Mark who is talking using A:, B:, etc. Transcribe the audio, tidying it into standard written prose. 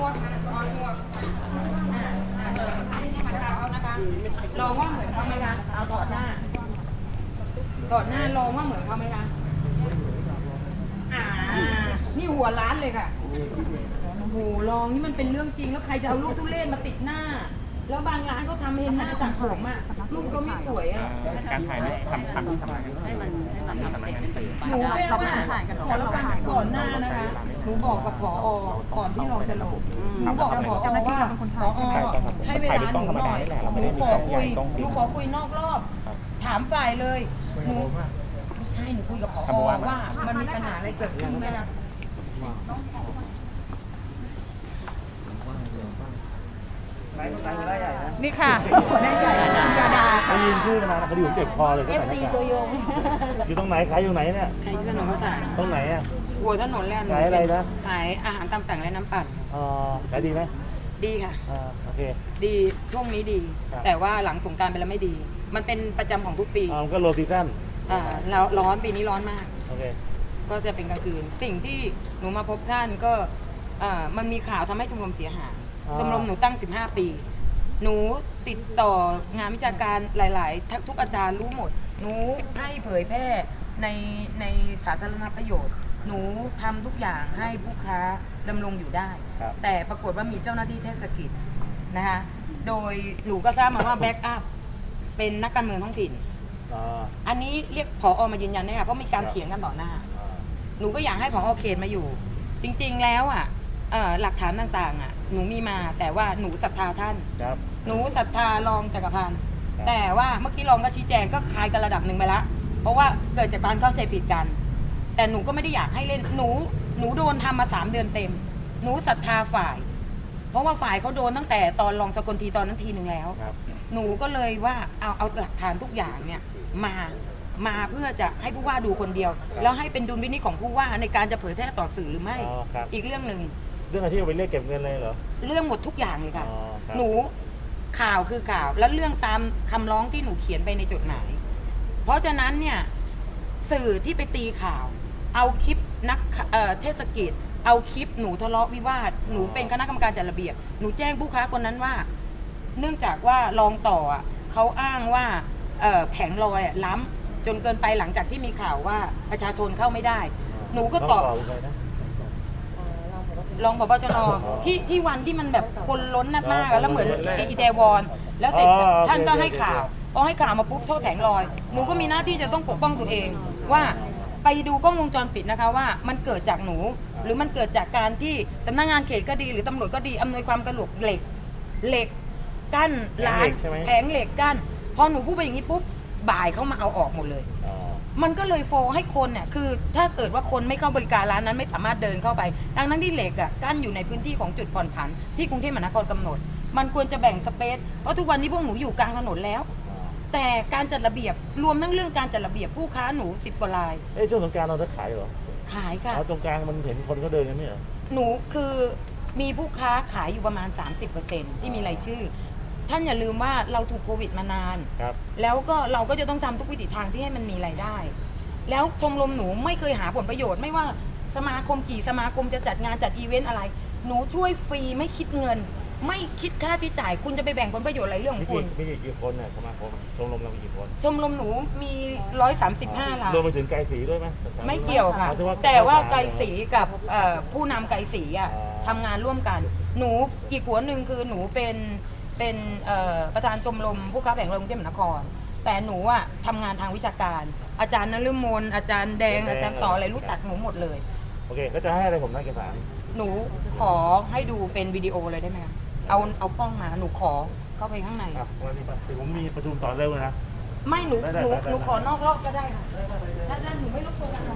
A: วเอานะคะลองว่าเหมือนเขาไหมคะเอาต่อหน้าลองว่าเหมือนเขาไหมคะนี่หัวล้านเลยค่ะโอ้โหลองนี่มันเป็นเรื่องจริงแล้วใครจะเอาลูกทุเรศมาติดหน้าแล้วบางร้านก็ทำเห็นหน้าจากผมอ่ะลูกก็ไม่สวยอ่ะ
B: การถ่ายนี่ทำที่ทำงาน
C: ให้มันเด็กเป็น
A: หนูแค่ว่าขอรับฟังก่อนหน้านะคะหนูบอกกับผอก่อนที่เราจะลงหนูบอกกับผอว่าผอให้เวลาหนูหน่อยหนูขอคุยนอกรอบถามฝ่ายเลยหนูไม่ใช่หนูคุยกับผอว่ามันมีปัญหาอะไรเกิดขึ้นไหมล่ะ
C: นี่ค่ะหัวหน้าใหญ่ดาดาค่ะ
D: ได้ยินชื่อมาคดีผมเจ็บคอเลย
C: FC ตัวยง
D: อยู่ตรงไหนขายอยู่ไหนเนี่ย
A: ขายที่ถนนข้าวสาร
D: ตรงไหนอ่ะ
A: หัวถนนแล่น
D: ขายอะไรนะ
A: ขายอาหารตามสั่งและน้ำปั่น
D: ขายดีไหม
A: ดีค่ะ
D: โอเค
A: ดีช่วงนี้ดี แต่ว่าหลังสงกรานต์ไปแล้วไม่ดี มันเป็นประจำของทุกปี
D: มันก็โลซีซั่น
A: แล้วร้อนปีนี้ร้อนมาก
D: โอเค
A: ก็จะเป็นกลางคืนสิ่งที่หนูมาพบท่านก็มันมีข่าวทำให้ชมรมเสียหายชมรมหนูตั้ง15 ปี หนูติดต่องานวิชาการหลายๆทุกอาจารย์รู้หมด หนูให้เผยแพร่ในสาธารณประโยชน์ หนูทำทุกอย่างให้ผู้ค้าดำรงอยู่ได้ แต่ปรากฏว่ามีเจ้าหน้าที่เทศกิจนะคะโดยหนูก็ทราบมาว่าแบ็กอัพเป็นนักการเมืองท้องถิ่นอันนี้เรียกผอมายืนยันได้ค่ะเพราะมีการเถียงกันต่อหน้าหนูก็อยากให้ผอเขตมาอยู่ จริงๆแล้วหลักฐานต่างๆหนูมีมาแต่ว่าหนูศรัทธาท่านหนูศรัทธารองจักรพันธ์แต่ว่าเมื่อกี้รองก็ชี้แจงก็คลายกันระดับหนึ่งไปละเพราะว่าเกิดจากการเข้าใจผิดกัน แต่หนูก็ไม่ได้อยากให้เล่นหนูโดนทำมา3 เดือนเต็มหนูศรัทธาฝ่าย เพราะว่าฝ่ายเขาโดนตั้งแต่ตอนรองสกลทีตอนนั้นทีหนึ่งแล้วหนูก็เลยว่าเอาหลักฐานทุกอย่างเนี่ยมาเพื่อจะให้ผู้ว่าดูคนเดียวแล้วให้เป็นดุลพินิจของผู้ว่าในการจะเผยแพร่ต่อสื่อหรือไม่อีกเรื่องหนึ่ง
D: เรื่องอะไรที่เอาไปเรียกเก็บเงินเลยเหรอ
A: เรื่องหมดทุกอย่างเลยค่ะหนูข่าวคือข่าวแล้วเรื่องตามคำร้องที่หนูเขียนไปในจดหมายเพราะฉะนั้นเนี่ยสื่อที่ไปตีข่าวเอาคลิปนักเทศกิจเอาคลิปหนูทะเลาะวิวาทหนูเป็นคณะกรรมการจัดระเบียบหนูแจ้งผู้ค้าคนนั้นว่าเนื่องจากว่ารองต่อเขาอ้างว่าแผงลอยล้ำจนเกินไปหลังจากที่มีข่าวว่าประชาชนเข้าไม่ได้หนูก็ตอบรองผบ.ชน.ที่วันที่มันแบบคนล้นมากแล้วเหมือนอีเทวอนแล้วเสร็จท่านก็ให้ข่าวพอให้ข่าวมาปุ๊บโทษแผงลอยหนูก็มีหน้าที่จะต้องปกป้องตัวเองว่าไปดูกล้องวงจรปิดนะคะว่ามันเกิดจากหนูหรือมันเกิดจากการที่สำนักงานเขตก็ดีหรือตำรวจก็ดีอำนวยความสะดวกเหล็กกั้นร้านแผงเหล็กกั้นพอหนูพูดไปอย่างนี้ปุ๊บบ่ายเขามาเอาออกหมดเลยมันก็เลยโฟให้คนเนี่ยคือถ้าเกิดว่าคนไม่เข้าบริการร้านนั้นไม่สามารถเดินเข้าไปดังนั้นที่เหล็กกั้นอยู่ในพื้นที่ของจุดผ่อนผันที่กรุงเทพมหานครกำหนดมันควรจะแบ่งสเปซเพราะทุกวันนี้พวกหนูอยู่กลางถนนแล้วแต่การจัดระเบียบรวมทั้งเรื่องการจัดระเบียบผู้ค้าหนู10 กว่า ราย
D: ช่วงสงกรานต์เราได้ขายเหรอ
A: ขายค่ะ
D: ตรงกลางมันเห็นคนก็เดินกันไม่เหรอ
A: หนูคือมีผู้ค้าขายอยู่ประมาณ 30% ที่มีรายชื่อท่านอย่าลืมว่าเราถูกโควิดมานานแล้วก็เราก็จะต้องทำทุกวิถีทางที่ให้มันมีรายได้แล้วชมรมหนูไม่เคยหาผลประโยชน์ไม่ว่าสมาคมกี่สมาคมจะจัดงานจัดอีเวนต์อะไรหนูช่วยฟรีไม่คิดเงินไม่คิดค่าที่จ่ายคุณจะไปแบ่งผลประโยชน์อะไรเรื่องของคุณ
D: มีกี่คนเนี่ยสมาคมชมรมเรามีกี่คน
A: ชมรมหนูมี135 ล้าน
D: รวมไปถึงไกลศรีด้วยไหม
A: ไม่เกี่ยวค่ะแต่ว่าไกลศรีกับผู้นำไกลศรีทำงานร่วมกันหนูอีกหัวหนึ่งคือหนูเป็นประธานชมรมผู้ค้าแผงลอยกรุงเทพมหานครแต่หนูทำงานทางวิชาการอาจารย์นฤมลอาจารย์แดงอาจารย์ต่ออะไรรู้จักหนูหมดเลย
D: โอเคก็จะให้อะไรผมนะเอกสาร
A: หนูขอให้ดูเป็นวิดีโอเลยได้ไหมเอากล้องมาหนูขอเข้าไปข้างใน
D: ผมมีประชุมต่อเร็วนะ
A: ไม่หนูขอนอกรอบก็ได้ค่ะถ้าหนูไม่รบกวน